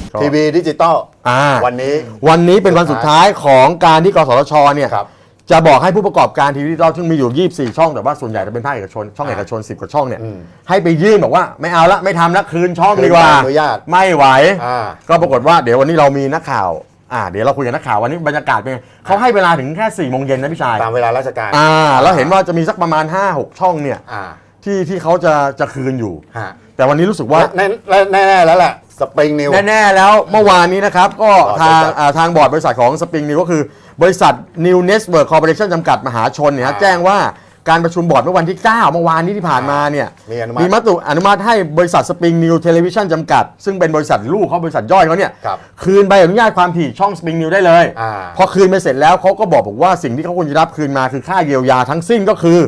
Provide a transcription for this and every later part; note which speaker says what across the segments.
Speaker 1: ทีวีดิจิตอลวัน
Speaker 2: นี้เป็นวันสุดท้ายของการที่กสทชเนี่ยจะบอกให้ผู้ประกอบการทีวีดิจิตอลซึ่งมีอยู่24ช่องแต่ว่าส่วนใหญ่จะเป็นภาคเอกชนช่องเอกชน10กว่าช่องเนี่ยให้ไปยื่นบอกว่าไม่เอาละไม่ทำละคืนช่องดีกว่าไม่ไหวก็ปรากฏว่าเดี๋ยววันนี้เรามีนักข่าวเดี๋ยวเราคุยกับนักข่าววันนี้บรรยากาศเป็นเขาให้เวลาถึงแค่4 โมงเย็นนะพี่ชาย
Speaker 1: ตามเวลาราชการ
Speaker 2: แล้วเห็นว่าจะมีสักประมาณ 5-6 ช่องเนี่ยที่เขาจะคืนอยู่แต่วันนี้รู้สึกว่า
Speaker 1: แน่แล้วแหละสปริงนิว
Speaker 2: แน่แล้วเมื่อวานนี้นะครับก็ทางบอร์ดบริษัทของสปริงนิวก็คือบริษัท New Network Corporation จำกัดมหาชนเนี่ยแจ้งว่าการประชุมบอร์ดเมื่อวันที่9เมื่อวานนี้ที่ผ่านมาเนี่ยมีมติอนุมัติให้บริษัทสปริงนิวเทเลวิชั่นจำกัดซึ่งเป็นบริษัทลูกเขาบริษัทย่อยเขาเนี่ยคืนใบอนุญาตความถี่ช่องสปริงนิวได้เลยพอคืนไปเสร็จแล้วเขาก็บอกว่าสิ่งที่เขาควรจะรับคืนมาคือค่าเยียวยาทั้งสิ้นก็คือ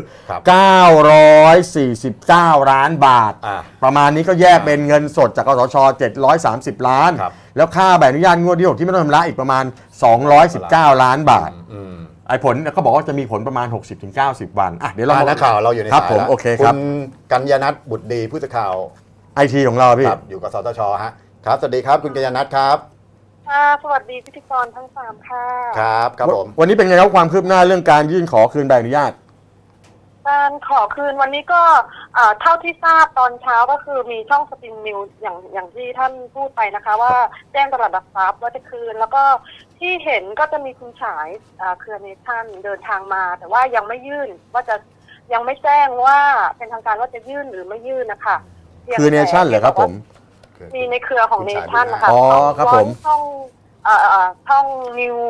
Speaker 2: 949 ล้านบาทประมาณนี้ก็แยกเป็นเงินสดจากกสทช730 ล้านแล้วค่าใบอนุญาตงวดที่6ที่ไม่ต้องชำระอีกประมาณ219 ล้านบาทไอ้ผลเขาบอกว่าจะมีผลประมาณ 60-90 วันเดี๋ยวเรา
Speaker 1: นักข่าวเราอยู่ในสาย
Speaker 2: ครับผมโอเคครับ
Speaker 1: คุณกัญญนัทบุตรดีผู้สื่อข่าว
Speaker 2: ไอทีของเราพี่
Speaker 1: อยู่กับสทชฮะครับสวัสดีครับคุณกัญญนัทครับ
Speaker 3: สวัสดีพิธีกรทั้ง3ค่ะ
Speaker 1: ครับผม
Speaker 2: วันนี้เป็นไงครับความคืบหน้าเรื่องการยื่นขอคืนใบอนุญาต
Speaker 3: การขอคืนวันนี้ก็เท่าที่ทราบตอนเช้าก็คือมีช่องสปริงนิวอย่างที่ท่านพูดไปนะคะว่าแจ้งตลาดหลักทรัพย์ว่าจะคืนแล้วก็ที่เห็นก็จะมีคุณฉายเครือเนชั่นเดินทางมาแต่ว่ายังไม่ยื่นว่าจะยังไม่แจ้งว่าเป็นทางการว่าจะยื่นหรือไม่ยื่นนะคะ
Speaker 2: คือเนชั่นเหรอครับผม
Speaker 3: มีในเครือของเนชั่นนะคะ
Speaker 2: ครับผม
Speaker 3: ช่องนิว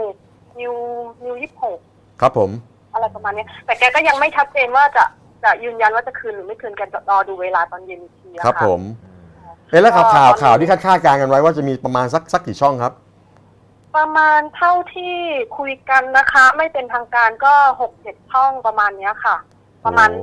Speaker 3: 26
Speaker 2: ครับผม
Speaker 3: อะไรประมาณนี้แต่แกก็ยังไม่ชัดเจนว่าจะยืนยันว่าจะคืนหรือไม่คืนกันรอดูเวลาตอนเย็นอีกที
Speaker 2: ครับผมแล้วข่าวที่คาดการณ์กันไว้ว่าจะมีประมาณสักกี่ช่องครับ
Speaker 3: ประมาณเท่าที่คุยกันนะคะไม่เป็นทางการก็6-7 ช่องประมาณนี้ค่ะประมาณ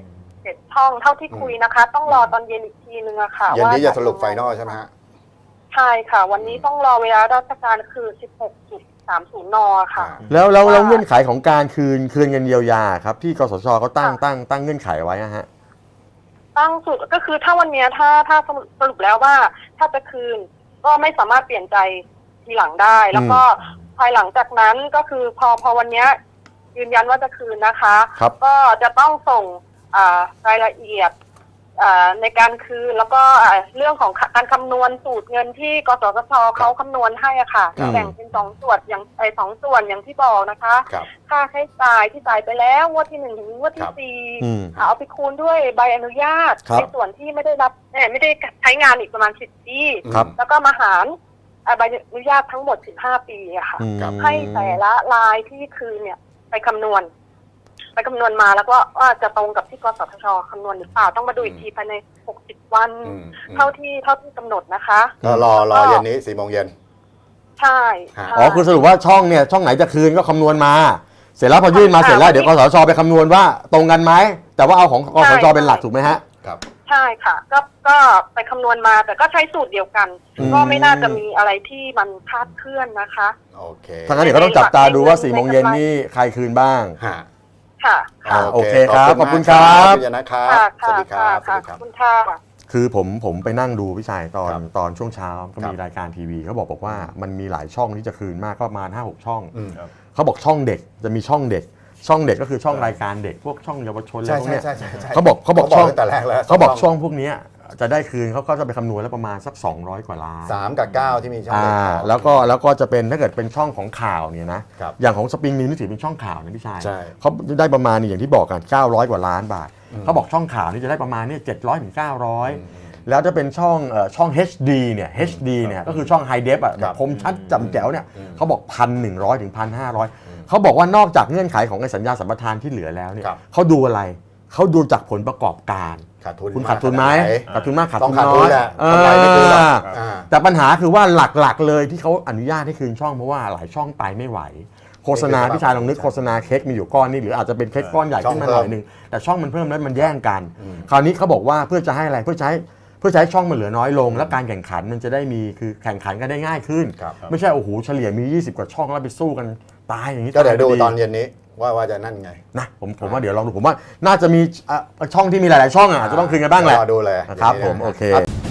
Speaker 3: 7ช่องเท่าที่คุยนะคะต้องรอตอนเย็นอีกทีนึงอะค่ะ
Speaker 1: เย็นนี้จะสรุปไฟนอลใช่ไหมฮะ
Speaker 3: ใช่ค่ะวันนี้ต้องรอเวลาราชการคือ16:30 น.ค่ะ
Speaker 2: แล้วเงื่อนไขของการคืนเงินเยียวยาครับที่กสทชเขาตั้งเงื่อนไขไว้ฮะ
Speaker 3: ตั้งสุดก็คือถ้าวันนี้ถ้าสรุปแล้วว่าถ้าจะคืนก็ไม่สามารถเปลี่ยนใจทีหลังได้แล้วก็ภายหลังจากนั้นก็คือพอวันนี้ยืนยันว่าจะคืนนะคะก็จะต้องส่งรายละเอียดในการคืนแล้วก็เรื่องของการคำนวณสูตรเงินที่กสทชเขาคำนวณให้ค่ะแบ่งเป็น2 ส่วนอย่าง2 ส่วนอย่างที่บอกนะคะค่าใช้จ่ายที่จ่ายไปแล้วงวดที่1ถึงงวดที่4เอาไปคูณด้วยใบอนุญาตในส่วนที่ไม่ได้ใช้งานอีกประมาณ10 ปีแล้วก็มาหารใบอนุญาตทั้งหมด15 ปีอะค่ะให้แต่ละรายที่คืนเนี่ยไปคำนวณมาแล้วก็ว่าจะตรงกับที่กสทชคำนวณหรือเปล่าต้องมาดูอีกทีภายใน60 วันเท่าที่กำหนดนะคะ
Speaker 1: ก็รอเย็นนี้4 โมงเย็น
Speaker 3: ใช่
Speaker 2: คือสรุปว่าช่องไหนจะคืนก็คำนวณมาเสร็จแล้วพอยื่นมาเสร็จแล้วเดี๋ยวกสทชไปคำนวณว่าตรงกันไหมแต่ว่าเอาของกสทชเป็นหลักถูกไหมฮะ
Speaker 1: ครับ
Speaker 3: ใช่ค่ะก็ไปคำนวณมาแต่ก็ใช้สูตรเดียวกันก็ไม่น่าจะมีอะไรที่มันคลาดเคลื่อนนะคะ
Speaker 1: โอเค
Speaker 2: ทางนั้นเดี๋ยวก็ต้องจับตาดูว่า4 โมงเย็นนี่ใครคืนบ้าง
Speaker 3: ค่ะ
Speaker 2: โอเคครับขอบคุณครับ
Speaker 1: นะครับสวัสดีครับ
Speaker 3: ขอบคุณค่ะ
Speaker 2: คือผมไปนั่งดูพี่ชายตอนช่วงเช้าก็มีรายการทีวีเขาบอกว่ามันมีหลายช่องที่จะคืนมากก็ประมาณ 5-6 ช่องเขาบอกช่องเด็กจะมีช่องเด็กก็คือช่องรายการเด็กพวกช่องเยาวชนอะไรพวกนี้เขาบอกช่อง
Speaker 1: แต่แรกแล้ว
Speaker 2: เขาบอกช่องพวกนี้จะได้คืนเขาก็จะไปคำนวณแล้วประมาณสัก200 กว่าล้าน
Speaker 1: 3 กับ 9ที่มีช่อง
Speaker 2: แล้วก็จะเป็นถ้าเกิดเป็นช่องของข่าวเนี่ยนะอย่างของสปริงนิวนี่ถือเป็นช่องข่าวนะพี่ชายเขาได้ประมาณอย่างที่บอกกัน900 กว่าล้านบาทเขาบอกช่องข่าวนี่จะได้ประมาณเนี่ย700 ถึง 900แล้วจะเป็นช่อง HD เนี่ย HD เนี่ยก็คือช่อง High Def แบบคมชัดจำแจ๋วเนี่ยเขาบอก 1,100 ถึง 1,500เขาบอกว่านอกจากเงื่อนไขของสัญญาสัมปทานที่เหลือแล้วเนี่ยเขาดูอะไรเขาดูจากผลประกอบการคุณขาดทุนไหมขาดทุนมากขาดทุนน้อยแต่ปัญหาคือว่าหลักๆเลยที่เขาอนุญาตให้คืนช่องเพราะว่าหลายช่องไปไม่ไหวโฆษณาพี่ชายลองนึกโฆษณาเค้กมีอยู่ก้อนนี่หรืออาจจะเป็นเค้กก้อนใหญ่ขึ้นมาหน่อยนึงแต่ช่องมันเพิ่มแล้วมันแย่งกันคราวนี้เขาบอกว่าเพื่อจะให้อะไรเพื่อใช้ช่องมันเหลือน้อยลงและการแข่งขันมันจะได้มีคือแข่งขันกันได้ง่ายขึ้นไม่ใช่โอ้โหเฉลี่ยมี20 กว่าช่องแล้วไปสู้กันตายอย่างนี้
Speaker 1: ก็เดี๋ยวดูตอนเย็นนี้ว่าจะนั่นไง
Speaker 2: นะผมว่าเดี๋ยวลองดูผมว่าน่าจะมีช่องที่มีหลายๆช่องอาจจะต้องคืนกันบ้างแหละ
Speaker 1: รอดูเลย
Speaker 2: ครับผมโอเค